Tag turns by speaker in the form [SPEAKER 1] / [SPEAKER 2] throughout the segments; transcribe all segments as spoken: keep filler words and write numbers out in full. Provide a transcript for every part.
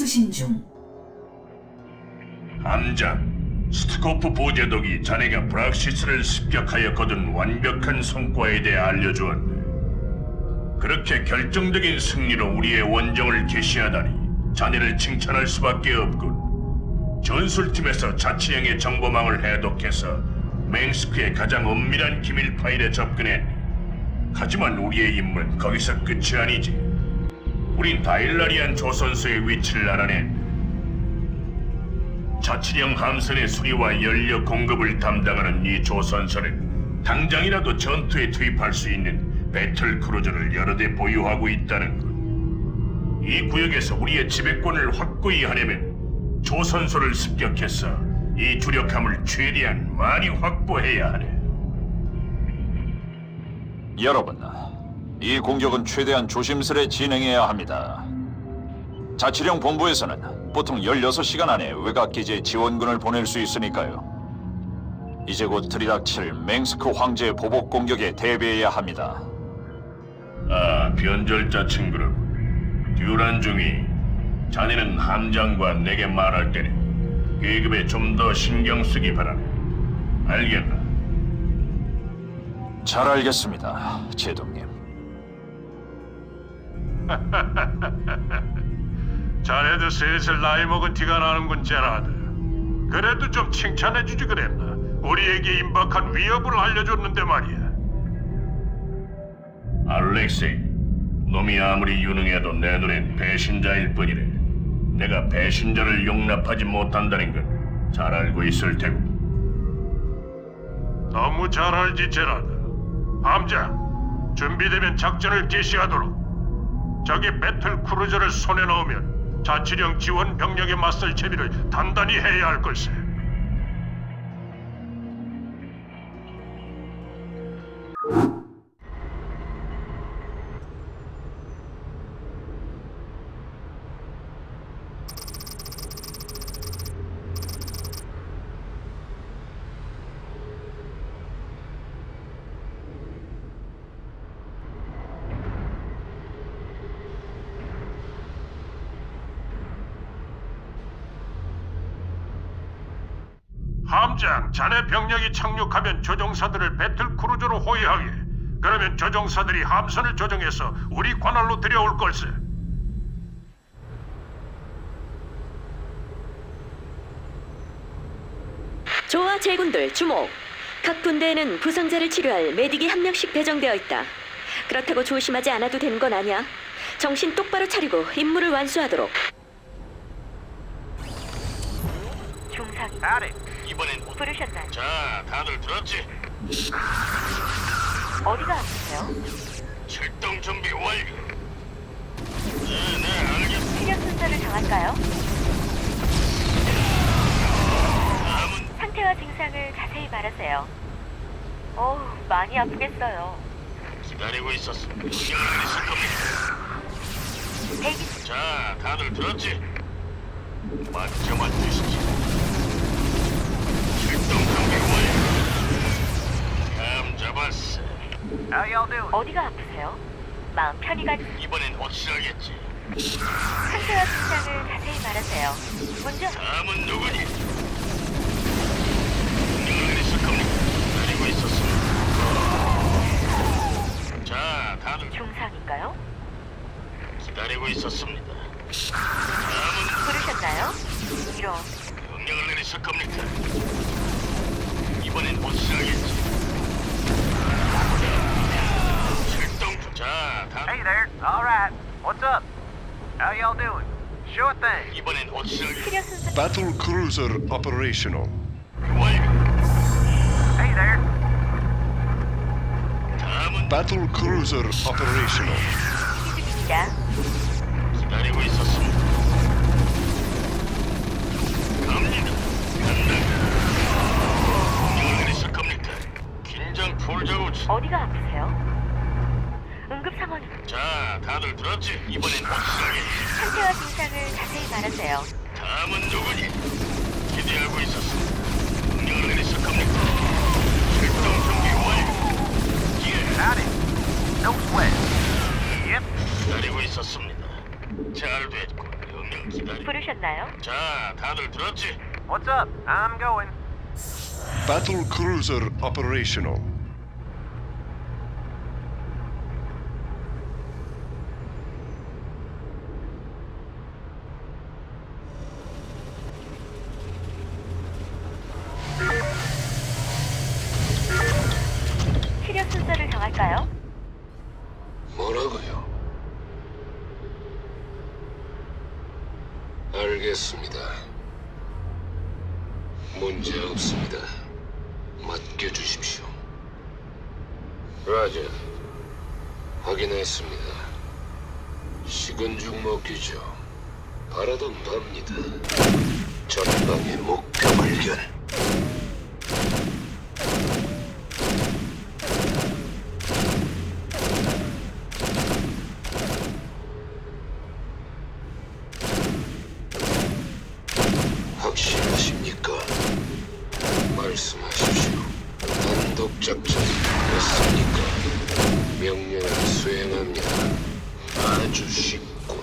[SPEAKER 1] 수신 중.
[SPEAKER 2] 함장, 스트코프 보제독이 자네가 브락시스를 습격하여 거둔 완벽한 성과에 대해 알려주었네. 그렇게 결정적인 승리로 우리의 원정을 개시하다니 자네를 칭찬할 수밖에 없군. 전술팀에서 자치령의 정보망을 해독해서 맹스크의 가장 엄밀한 기밀 파일에 접근했네. 하지만 우리의 임무는 거기서 끝이 아니지. 우린 다일라리안 조선소의 위치를 알아낸 자치령 함선의 수리와 연료 공급을 담당하는 이 조선소는 당장이라도 전투에 투입할 수 있는 배틀 크루저를 여러 대 보유하고 있다는 것. 이 구역에서 우리의 지배권을 확고히 하려면 조선소를 습격해서 이 주력함을 최대한 많이 확보해야 하네.
[SPEAKER 3] 여러분, 이 공격은 최대한 조심스레 진행해야 합니다. 자치령 본부에서는 보통 열여섯 시간 안에 외곽 기지에 지원군을 보낼 수 있으니까요. 이제 곧 들이닥칠 맹스크 황제의 보복 공격에 대비해야 합니다.
[SPEAKER 2] 아, 변절자 친구라고. 듀란 중이 자네는 함장과 내게 말할 때는 계급에 좀 더 신경 쓰기 바라네. 알겠나?
[SPEAKER 3] 잘 알겠습니다, 제동님.
[SPEAKER 4] 자네도 슬슬 나이 먹은 티가 나는군, 제라드. 그래도 좀 칭찬해주지 그랬나? 우리에게 임박한 위협을 알려줬는데 말이야.
[SPEAKER 2] 알렉세이, 놈이 아무리 유능해도 내 눈엔 배신자일 뿐이래. 내가 배신자를 용납하지 못한다는 건 잘 알고 있을 테고.
[SPEAKER 4] 너무 잘 알지, 제라드. 함장, 준비되면 작전을 개시하도록. 적의 배틀 크루저를 손에 넣으면 자치령 지원 병력에 맞설 채비를 단단히 해야 할 걸세. 함장, 자네 병력이 착륙하면 조종사들을 배틀 크루저로 호위하게. 그러면 조종사들이 함선을 조종해서 우리 관할로 들여올 걸세.
[SPEAKER 5] 좋아, 제군들 주목. 각 분대에는 부상자를 치료할 메딕이 한 명씩 배정되어 있다. 그렇다고 조심하지 않아도 되는 건 아니야. 정신 똑바로 차리고 임무를 완수하도록.
[SPEAKER 6] 중상이
[SPEAKER 2] 이번엔
[SPEAKER 6] 부르셨나요?
[SPEAKER 2] 자, 다들 들었지?
[SPEAKER 6] 어디가 아프세요?
[SPEAKER 2] 출동 준비 완료. 네, 네, 알겠습니다.
[SPEAKER 6] 체력 순서를 정할까요?
[SPEAKER 2] 다음은
[SPEAKER 6] 상태와 증상을 자세히 말하세요. 어우, 많이 아프겠어요.
[SPEAKER 2] 기다리고 있었어. 명령을 내리실 겁니다.
[SPEAKER 6] 대기
[SPEAKER 2] 자, 다들 들었지? 맞춰만 주시지. 출동 준비 완료. 감 잡았어.
[SPEAKER 6] 어디가 아프세요? 마음 편히 가.
[SPEAKER 2] 이번엔 확실하겠지.
[SPEAKER 6] 상태와 증상을 자세히 말하세요. 먼저
[SPEAKER 2] 다음은 누구니? 명령을 내리실 겁니다. 기다리고 있었습니다. 자, 다들
[SPEAKER 6] 중상인가요?
[SPEAKER 2] 기다리고 있었습니다. 다음은
[SPEAKER 6] 부르셨나요? 이런.
[SPEAKER 2] 명령을 내리실 겁니까? 이번엔 확실하겠지. 출동 중. 자, 다
[SPEAKER 7] Hey there. All right. What's up? How y'all doing? Sure thing.
[SPEAKER 2] 이번엔 확실하겠지.
[SPEAKER 6] 치료 순서
[SPEAKER 8] Battle cruiser operational.
[SPEAKER 2] 완료.
[SPEAKER 7] Hey there.
[SPEAKER 2] 다음은
[SPEAKER 8] Battle cruiser operational.
[SPEAKER 6] 대기 중입니다.
[SPEAKER 2] 기다리고 있었습니다. 갑니다. 간다. 명령을 내리실 겁니까? 긴장 풀자고.
[SPEAKER 6] 어디가 아프세요? 응급 상황이.
[SPEAKER 2] 자, 다들 들었지? 이번엔 확실하겠지.
[SPEAKER 6] 상태와 증상을 자세히 말하세요.
[SPEAKER 2] 다음은 누구니? 기대하고 있었습니다. 명령을 내리실 겁니까? 출동 준비 완료. 예,
[SPEAKER 7] Howdy. No sweat. Yep.
[SPEAKER 2] 기다리고 있었습니다. 잘 됐고, 명령
[SPEAKER 6] 부르셨나요?
[SPEAKER 2] 자, 다들 들었지?
[SPEAKER 7] What's up? I'm going.
[SPEAKER 8] Battle cruiser operational.
[SPEAKER 6] 치료 순서를 정할까요?
[SPEAKER 1] 뭐라고요? 알겠습니다. 문제 없습니다. 맡겨주십시오. 라자, 확인했습니다. 식은 죽 먹기죠. 바라던 바입니다. 전방의 목표 발견. 확실하십니까? 말씀하십시오. 단독 작전 맞습니까? 명령을 수행합니다. 아주 쉽군.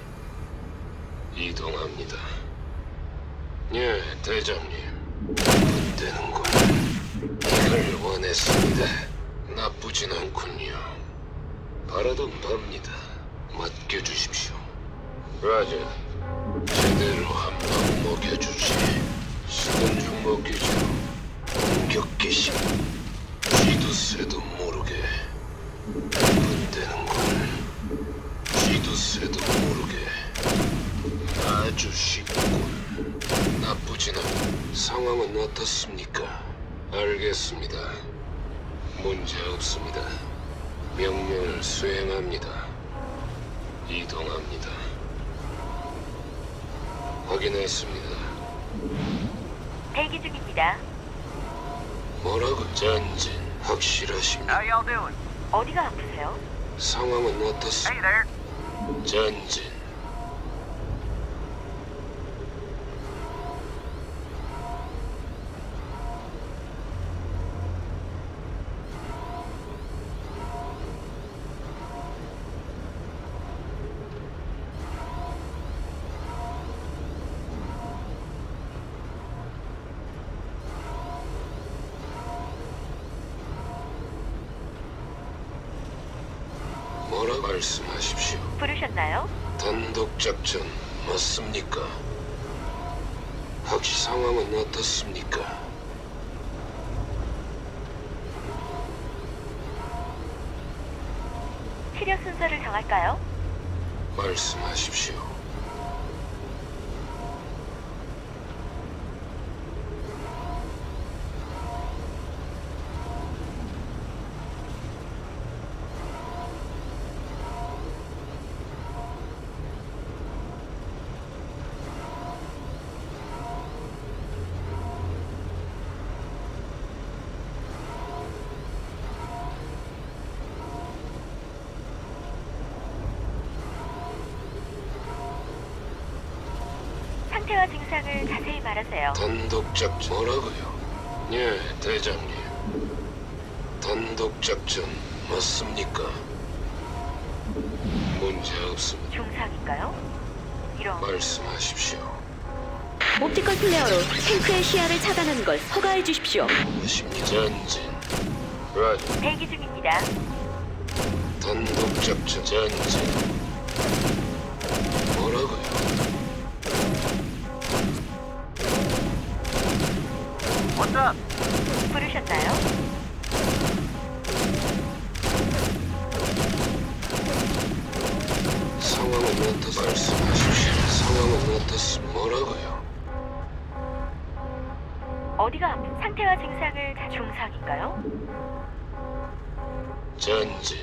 [SPEAKER 1] 이동합니다. 예, 대장님. 되는군. 이걸 원했습니다. 나쁘진 않군요. 바라던 바입니다. 맡겨주십시오. 라자. 제대로 한 방 먹여주지. 식은 죽 먹기죠. 공격 개시. 쥐도 새도 모르게. 분대는군. 쥐도 새도 모르게. 아주 쉽군. 나쁘진 않. 상황은 어떻습니까? 알겠습니다. 문제 없습니다. 명령을 수행합니다. 이동합니다. 확인했습니다.
[SPEAKER 6] 대기 중입니다.
[SPEAKER 1] 뭐라고? 전진 확실하십니까?
[SPEAKER 7] How y'all doing?
[SPEAKER 6] 어디가 아프세요?
[SPEAKER 1] 상황은
[SPEAKER 7] Hey
[SPEAKER 1] 어떻습니까?
[SPEAKER 7] there.
[SPEAKER 1] 전진 뭐라 말씀하십시오.
[SPEAKER 6] 부르셨나요?
[SPEAKER 1] 단독 작전 맞습니까? 확시 상황은 어떻습니까?
[SPEAKER 6] 치료 순서를 정할까요?
[SPEAKER 1] 말씀하십시오.
[SPEAKER 6] 상태와 증상을 자세히 말하세요.
[SPEAKER 1] 단독 작전 뭐라고요? 예, 대장님. 단독 작전 맞습니까? 문제 없습니다.
[SPEAKER 6] 중상인가요? 이런
[SPEAKER 1] 말씀하십시오.
[SPEAKER 5] 옵티컬 플레어로 탱크의 시야를 차단하는 걸 허가해 주십시오.
[SPEAKER 1] 무엇입니까? 전진. 라자.
[SPEAKER 6] 대기 중입니다.
[SPEAKER 1] 단독 작전 전진. 뭐라고요?
[SPEAKER 7] What's up?
[SPEAKER 6] 부르셨나요?
[SPEAKER 1] 상황은 어떻 말씀하십시오. 상황은 어떻습 뭐라고요?
[SPEAKER 6] 어디가 아프? 상태와 증상을 다 중상인가요?
[SPEAKER 1] 전진.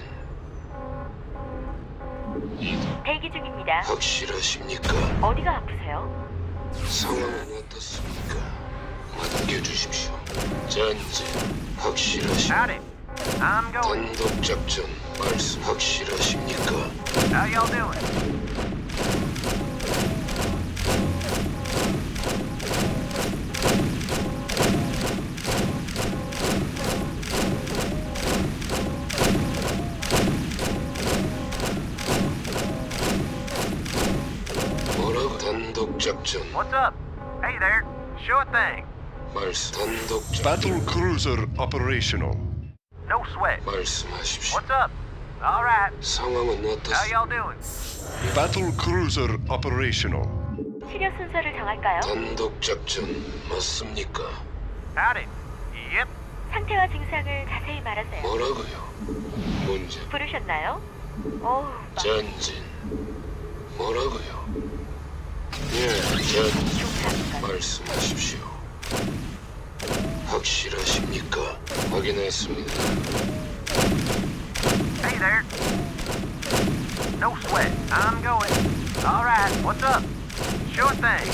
[SPEAKER 1] 이동.
[SPEAKER 6] 대기 중입니다.
[SPEAKER 1] 확실하십니까?
[SPEAKER 6] 어디가 아프세요?
[SPEAKER 1] 상황은 어떻습니까? 맡겨주십시오. 전진. 확실하십니까?
[SPEAKER 7] Howdy. I'm going.
[SPEAKER 1] 단독 작전 말씀 확실하십니까?
[SPEAKER 7] How y'all doing?
[SPEAKER 1] 뭐라고? 작전
[SPEAKER 7] What's up? Hey there. Sure thing.
[SPEAKER 1] 말씀. 단독 작전
[SPEAKER 8] Battle cruiser operational.
[SPEAKER 7] No sweat.
[SPEAKER 1] 말씀하십시오.
[SPEAKER 7] What's up? All right.
[SPEAKER 1] 상황은
[SPEAKER 7] How
[SPEAKER 1] 어떻습니까?
[SPEAKER 7] y'all doing?
[SPEAKER 8] Battle cruiser operational.
[SPEAKER 6] 치료 순서를 정할까요?
[SPEAKER 1] 단독 작전 맞습니까?
[SPEAKER 7] Howdy. Yep.
[SPEAKER 6] 상태와 증상을 자세히 말하세요.
[SPEAKER 1] 뭐라고요? 문제
[SPEAKER 6] 부르셨나요? 오,
[SPEAKER 1] 전진 뭐라고요? 예, 전
[SPEAKER 6] 중상인가?
[SPEAKER 1] 말씀하십시오. 확실하십니까? 확인했습니다.
[SPEAKER 7] Hey there. No sweat. I'm going. All right. What's up? Sure thing.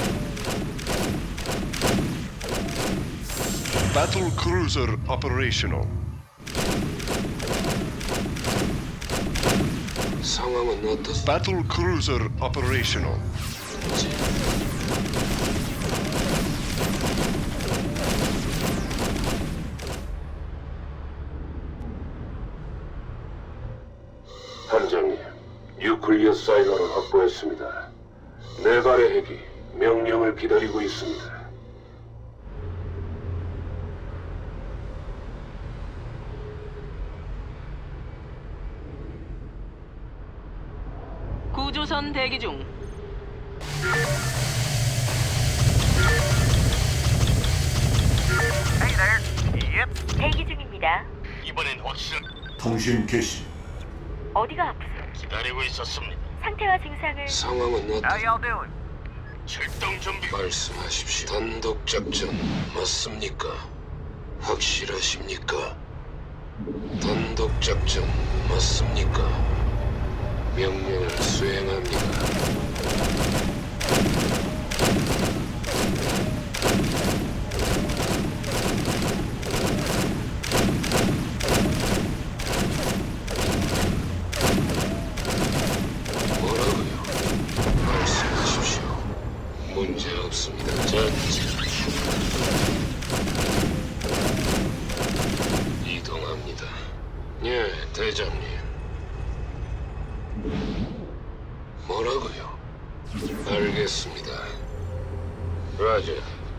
[SPEAKER 8] Battle cruiser operational.
[SPEAKER 1] 상황은 어떻습니까?
[SPEAKER 8] Battle cruiser operational.
[SPEAKER 1] 함장님, 뉴클리어 사이로를 확보했습니다. 네 발의 핵이 명령을 기다리고 있습니다.
[SPEAKER 9] 구조선 대기 중.
[SPEAKER 7] Hey there. Yep.
[SPEAKER 6] 대기 중입니다.
[SPEAKER 4] 이번엔 확실한
[SPEAKER 8] 통신 개시.
[SPEAKER 6] 어디가 아프세요?
[SPEAKER 4] 기다리고 있었습니다.
[SPEAKER 6] 상태와 증상을
[SPEAKER 1] 상황은
[SPEAKER 7] How
[SPEAKER 1] 어떻...
[SPEAKER 7] y'all doing?
[SPEAKER 4] 출동 준비.
[SPEAKER 1] 말씀하십시오. 단독 작전 맞습니까? 확실하십니까? 단독 작전 맞습니까? 명령을 수행합니다. 뭐라고요? 말씀하십시오. 문제 없습니다. 전진. 이동합니다. 예, 대장님. 뭐라고요? 알겠습니다. 라자.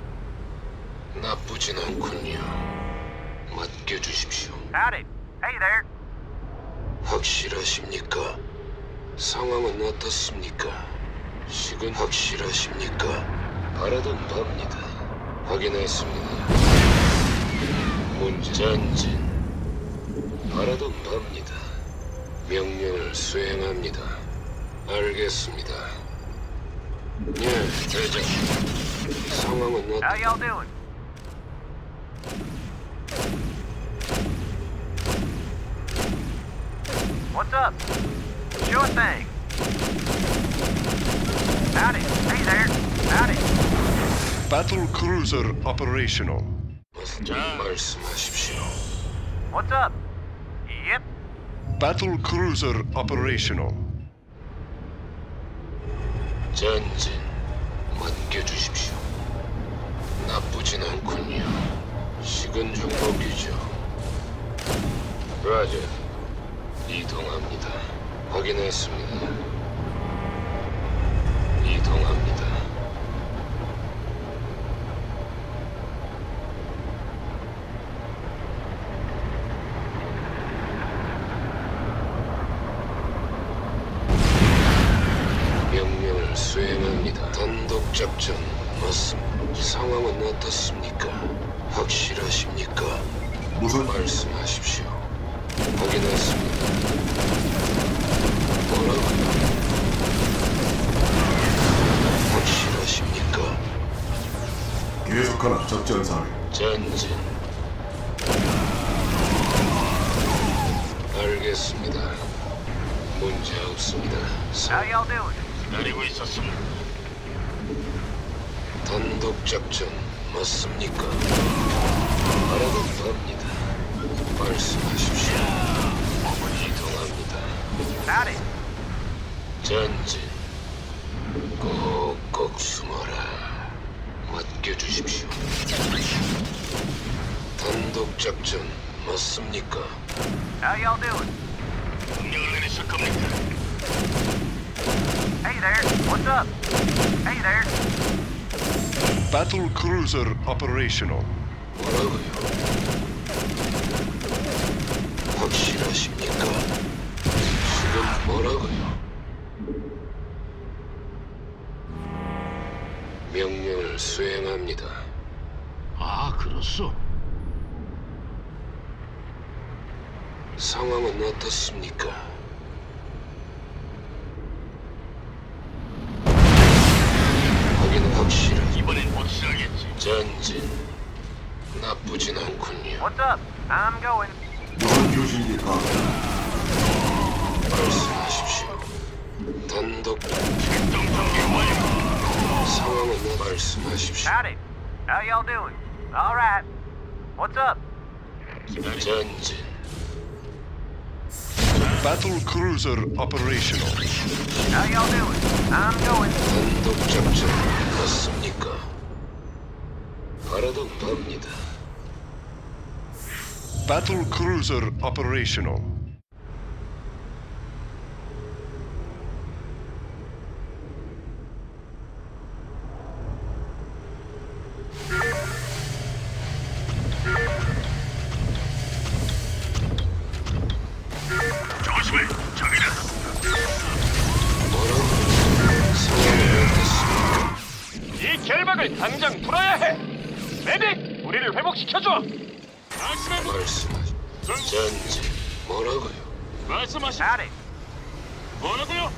[SPEAKER 1] 나쁘진 않군요. 맡겨주십시오.
[SPEAKER 7] Howdy. Hey there.
[SPEAKER 1] 확실하십니까? 상황은 어떻습니까? 식은 확실하십니까? 바라던 바입니다. 확인했습니다. 문제 전진. 바라던 바입니다. 명령을 수행합니다. 알겠습니다. 예, 대장. 상황은
[SPEAKER 7] How
[SPEAKER 1] 어떻...
[SPEAKER 7] y'all doing? What's up? Sure thing. Howdy. Hey there. Howdy.
[SPEAKER 8] Battle cruiser operational.
[SPEAKER 1] 말씀하십시오.
[SPEAKER 7] What's up? Yep.
[SPEAKER 8] Battle cruiser operational.
[SPEAKER 1] 전진 맡겨주십시오. 나쁘진 않군요. 식은 죽 먹이죠. 라자, 이동합니다. 확인했습니다. 이동합니다. 명령을 수행합니다. 단독 작전 맞습니다. 상황은 어떻습니까? 확실하십니까?
[SPEAKER 8] 무슨
[SPEAKER 1] 말씀하십시오. 확인했습니다. 뭐라고요? 확실하십니까?
[SPEAKER 8] 계속하라 작전 사례.
[SPEAKER 1] 전진. 알겠습니다. 문제 없습니다.
[SPEAKER 7] How
[SPEAKER 1] 사-
[SPEAKER 7] y'all doing?
[SPEAKER 4] 기다리고 있었습니다.
[SPEAKER 1] 단독 작전 맞습니까? 바라던 바입니다. 말씀하십시오. 이동합니다.
[SPEAKER 7] Howdy.
[SPEAKER 1] 전진. 꼭꼭 숨어라. 맡겨주십시오. 단독 작전 맞습니까?
[SPEAKER 7] How y'all doing?
[SPEAKER 4] 명령을 내리실 겁니까?
[SPEAKER 7] Hey there. What's up? Hey there.
[SPEAKER 8] Battle cruiser operational.
[SPEAKER 1] 뭐라고요? 확실하십니까? 지금 뭐라고요? 명령을 수행합니다.
[SPEAKER 4] 아, 그렇소.
[SPEAKER 1] 상황은 어떻습니까? 확인 확실한
[SPEAKER 4] 이번엔 확실하겠지.
[SPEAKER 1] 전진 나쁘진 않군요.
[SPEAKER 7] What's up? I'm going.
[SPEAKER 8] 무선 교신기 가.
[SPEAKER 1] 말씀하십시오. 단독
[SPEAKER 4] 출동 준비 완료.
[SPEAKER 1] 상황은 말씀하십시오.
[SPEAKER 7] Howdy. How y'all doing? All right. What's up?
[SPEAKER 1] 전진
[SPEAKER 8] Battle cruiser operational.
[SPEAKER 7] How y'all doing? I'm going.
[SPEAKER 1] 단독 작전 맞습니까? 바라던 바입니다.
[SPEAKER 8] Battle cruiser operational.
[SPEAKER 4] 조심해. 저기다.
[SPEAKER 1] 뭐라고? 상황은 어떻습니까?
[SPEAKER 4] 이 결박을 당장 풀어야 해. 메딕, 우리를 회복시켜줘. 말씀해.
[SPEAKER 1] 말씀하시. 전진 뭐라고요?
[SPEAKER 4] 말씀하시.
[SPEAKER 7] Howdy.
[SPEAKER 4] 뭐라고요?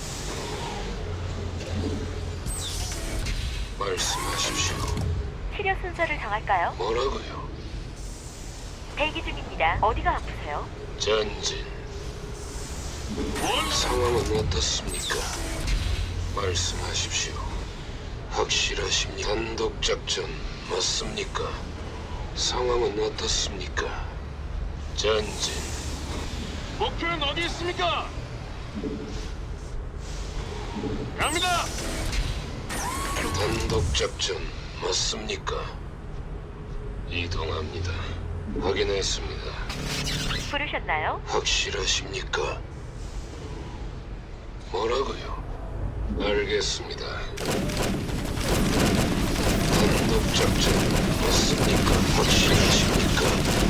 [SPEAKER 1] 말씀하십시오.
[SPEAKER 6] 치료 순서를 정할까요?
[SPEAKER 1] 뭐라고요?
[SPEAKER 6] 대기 중입니다. 어디가 아프세요?
[SPEAKER 1] 전진
[SPEAKER 4] 뭘?
[SPEAKER 1] 상황은 어떻습니까? 말씀하십시오. 확실하십니까? 단독 작전 맞습니까? 상황은 어떻습니까? 전진
[SPEAKER 4] 목표는 어디 있습니까? 갑니다.
[SPEAKER 1] 단독 작전 맞습니까? 이동합니다. 확인했습니다.
[SPEAKER 6] 부르셨나요?
[SPEAKER 1] 확실하십니까? 뭐라고요? 알겠습니다. 단독 작전 맞습니까? 확실하십니까?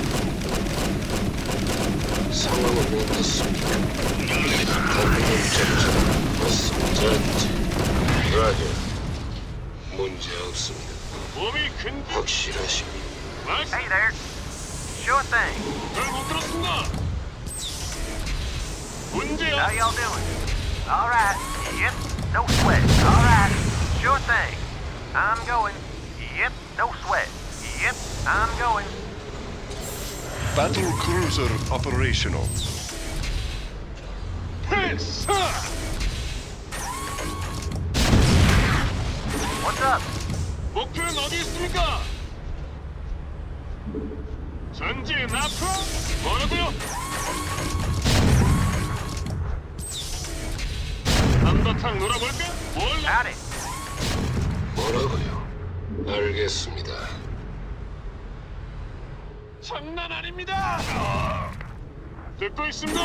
[SPEAKER 1] 상황은 어떻습니까? 단독 작전 맞습니다. 전진 라저 문제 없습니다.
[SPEAKER 4] 몸이 근.
[SPEAKER 1] 확실하십니까?
[SPEAKER 4] 말씀.
[SPEAKER 7] Hey there. Sure thing.
[SPEAKER 4] 잘못 들었습니다. 문제요.
[SPEAKER 7] How y'all doing? All right. Yep. No sweat. All right. Sure thing. I'm going. Yep. No sweat. Yep. I'm going.
[SPEAKER 8] Battle cruiser operational.
[SPEAKER 4] 필사.
[SPEAKER 7] What's up?
[SPEAKER 4] 목표는 어디 있습니까? 전진 앞으로. 뭐라고요? 한바탕 놀아볼까? 뭘?
[SPEAKER 7] Howdy.
[SPEAKER 1] 뭐라고요? 알겠습니다.
[SPEAKER 4] 장난 아닙니다. 어, 듣고 있습니다.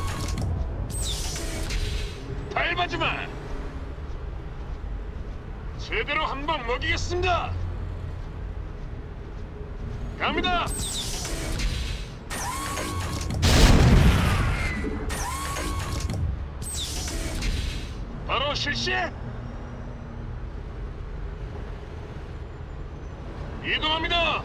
[SPEAKER 4] 밟아지 마. 제대로 한 방 먹이겠습니다. 갑니다. 바로 실시. 이동합니다.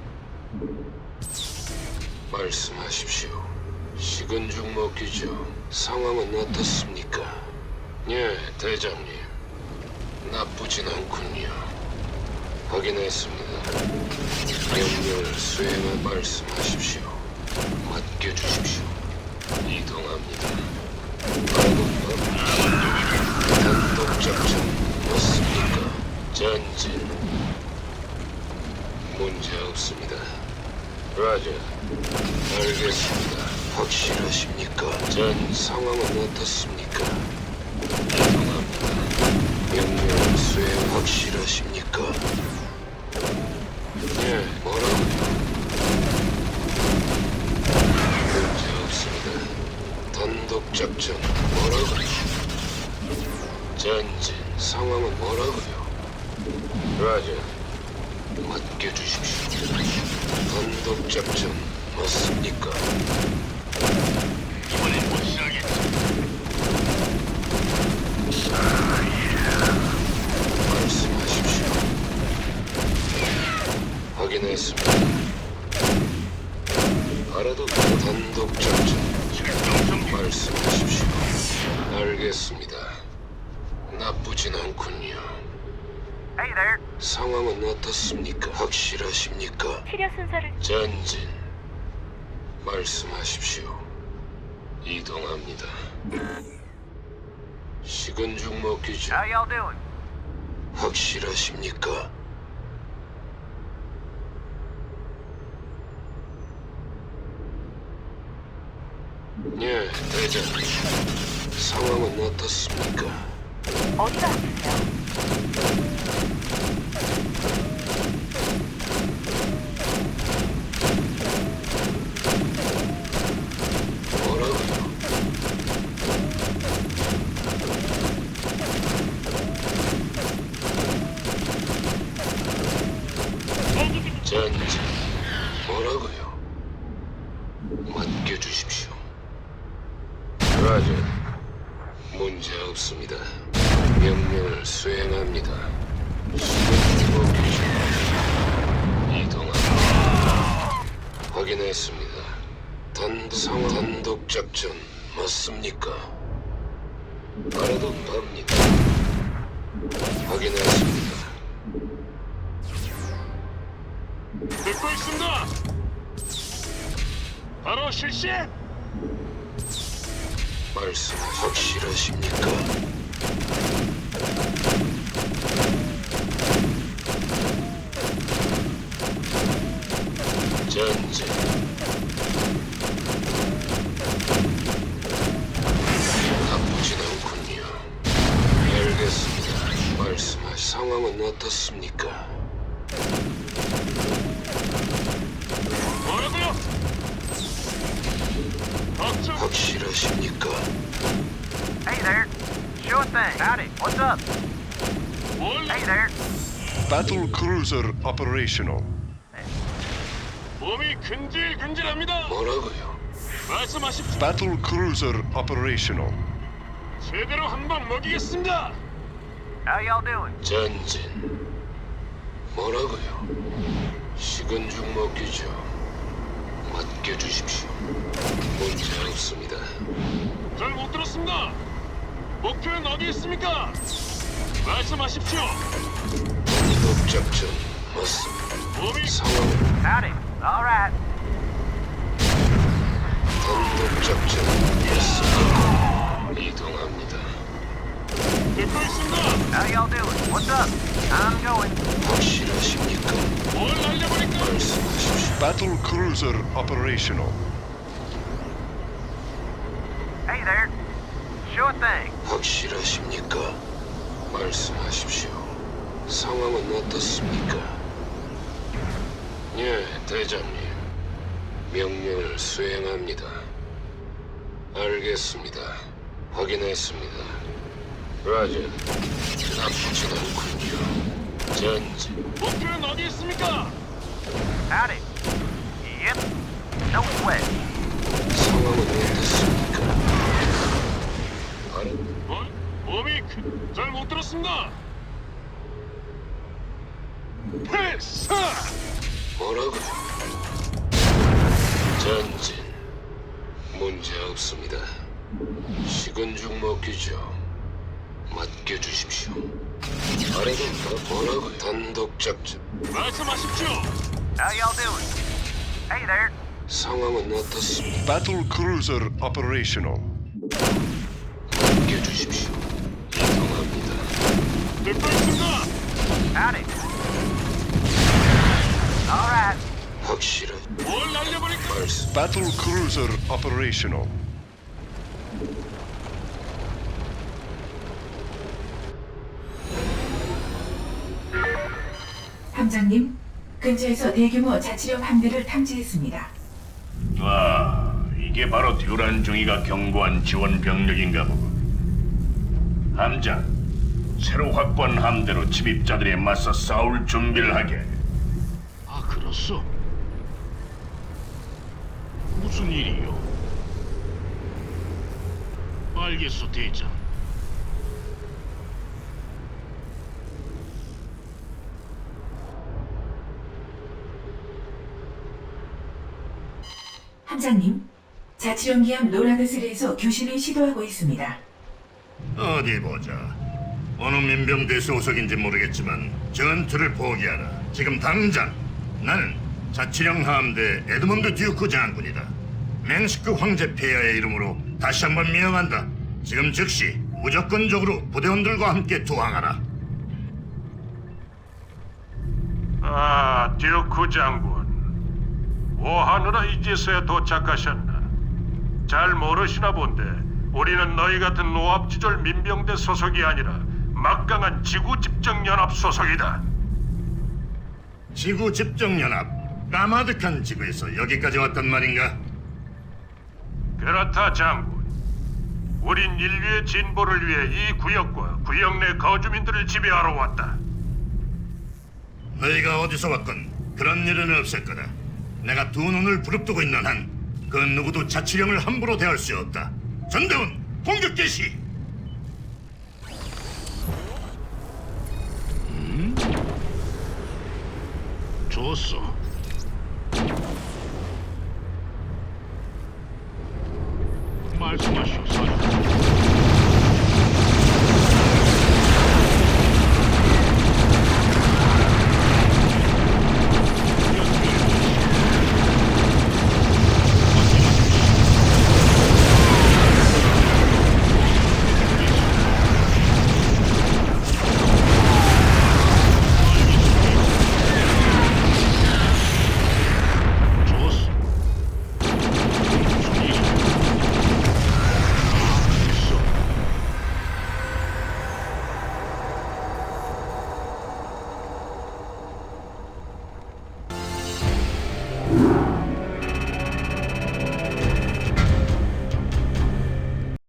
[SPEAKER 1] 말씀하십시오. 식은 죽 먹기죠. 상황은 어떻습니까? 예, 대장님. 나쁘진 않군요. 확인했습니다. 명령을 수행할 말씀하십시오. 맡겨주십시오. 이동합니다. 단독 작전 맞습니까? 전진 문제 없습니다. 라자, 알겠습니다. 확실하십니까? 전 상황은 어떻습니까? 이동합니다. 명령 수행 확실하십니까? 예, 뭐라고요? 문제 없습니다. 단독 작전 뭐라고요? 전진 상황은 뭐라고요? 라자, 맡겨주십시오. 단독 작전 맞습니까?
[SPEAKER 4] 이번엔 확실하겠지.
[SPEAKER 1] 말씀하십시오. 확인했습니다. 알아도 단독 작전 말씀하십시오. 알겠습니다. 나쁘진 않군요.
[SPEAKER 7] Hey there.
[SPEAKER 1] 상황은 어떻습니까? 확실하십니까?
[SPEAKER 6] 치료 순서를
[SPEAKER 1] 전진 말씀하십시오. 이동합니다. 식은 죽 먹기죠.
[SPEAKER 7] How y'all doing?
[SPEAKER 1] 확실하십니까? 예, 대장님. 상황은 어떻습니까?
[SPEAKER 6] 어디가 아프세요?
[SPEAKER 1] 뭐라고요?
[SPEAKER 6] 대기 중
[SPEAKER 1] 전진 뭐라고요? 맡겨주십시오. 라자, 문제 없습니다. 명령을 수행합니다. 시간 먹기죠. 이동합니다. 확인했습니다. 단독 상황 단독 작전 맞습니까? 알아도 갑니다. 확인했습니다.
[SPEAKER 4] 듣고 있습니다. 바로 실시.
[SPEAKER 1] 말씀 확실하십니까? 전진 나쁘진 않군요. 알겠습니다. 말씀하시 상황은 어떻습니까?
[SPEAKER 4] 뭐라고요? 걱정.
[SPEAKER 1] 확실하십니까?
[SPEAKER 7] Hey there. Sure thing. Howdy. What's up?
[SPEAKER 4] 뭘?
[SPEAKER 7] Hey there.
[SPEAKER 8] Battle cruiser operational.
[SPEAKER 4] 몸이 근질근질합니다.
[SPEAKER 1] 뭐라고요?
[SPEAKER 4] 말씀하십시오.
[SPEAKER 8] Battle cruiser operational.
[SPEAKER 4] 제대로 한번 먹이겠습니다.
[SPEAKER 7] How y'all doing?
[SPEAKER 1] 전진 뭐라고요? 식은 죽 먹기죠. 맡겨주십시오. 문제 없습니다.
[SPEAKER 4] 잘 못 들었습니다. 목표는 어디 있습니까? 말씀하십시오.
[SPEAKER 1] 단독 작전 맞습니다.
[SPEAKER 4] 몸이
[SPEAKER 1] 상황
[SPEAKER 7] Howdy. All right.
[SPEAKER 1] 단독 작전 맞습니다. 이동합니다.
[SPEAKER 4] 듣고 있습니다.
[SPEAKER 7] How y'all doing? What's up? I'm going.
[SPEAKER 1] 확실하십니까?
[SPEAKER 4] 뭘 날려버릴까?
[SPEAKER 1] 말씀하십시오.
[SPEAKER 8] Battle cruiser operational.
[SPEAKER 7] Hey there. Sure thing.
[SPEAKER 1] 확실하십니까? 말씀하십시오. 상황은 어떻습니까? 예, 대장님. 명령을 수행합니다. 알겠습니다. 확인했습니다. 라자, 나쁘진 않군요. 전진,
[SPEAKER 4] 목표는 어디 있습니까?
[SPEAKER 7] Howdy. Yep. No sweat.
[SPEAKER 1] 상황은 어떻습니까? 알,
[SPEAKER 4] 뭘? 몸이 잘 못 들었습니다. 패스!
[SPEAKER 1] 뭐라고요? 전진, 문제 없습니다. 식은 죽 먹기죠. 맡겨주십시오. 알아도 뭐라고요? 단독 작전.
[SPEAKER 4] 말씀하십시오.
[SPEAKER 7] How y'all doing? Hey there.
[SPEAKER 1] 상황은 어떻습니까?
[SPEAKER 8] Battle cruiser operational.
[SPEAKER 1] 맡겨주십시오. 이동합니다.
[SPEAKER 4] 듣고 있습니다.
[SPEAKER 7] Howdy. All right.
[SPEAKER 1] 확실한
[SPEAKER 4] 뭘 날려버릴까?
[SPEAKER 1] 말씀.
[SPEAKER 8] Battle cruiser operational.
[SPEAKER 9] 함장님, 근처에서 대규모 자치령 함대를 탐지했습니다.
[SPEAKER 2] 아, 이게 바로 듀란 중이가 경고한 지원 병력인가 보군. 함장, 새로 확보한 함대로 침입자들에 맞서 싸울 준비를 하게.
[SPEAKER 1] 아, 그렇소? 무슨 일이요? 알겠소, 대장.
[SPEAKER 9] 함장님, 자치령기함 노라드슬에서 교신을 시도하고 있습니다.
[SPEAKER 10] 어디 보자. 어느 민병대 소속인지 모르겠지만 전투를 포기하라. 지금 당장. 나는 자치령 함대 에드먼드 듀크 장군이다. 맹스크 황제 폐하의 이름으로 다시 한번 명한다. 지금 즉시 무조건적으로 부대원들과 함께 투항하라.
[SPEAKER 4] 아, 듀크 장군. 뭐하느라 이제서야 도착하셨나? 잘 모르시나 본데 우리는 너희 같은 노합지졸 민병대 소속이 아니라 막강한 지구집정연합 소속이다.
[SPEAKER 10] 지구 집정연합. 까마득한 지구에서 여기까지 왔단 말인가?
[SPEAKER 4] 그렇다, 장군. 우린 인류의 진보를 위해 이 구역과 구역 내 거주민들을 지배하러 왔다.
[SPEAKER 10] 너희가 어디서 왔건 그런 일은 없을 거다. 내가 두 눈을 부릅뜨고 있는 한 그 누구도 자치령을 함부로 대할 수 없다. 전대원 공격 개시.
[SPEAKER 1] 좋소. 말씀하시오.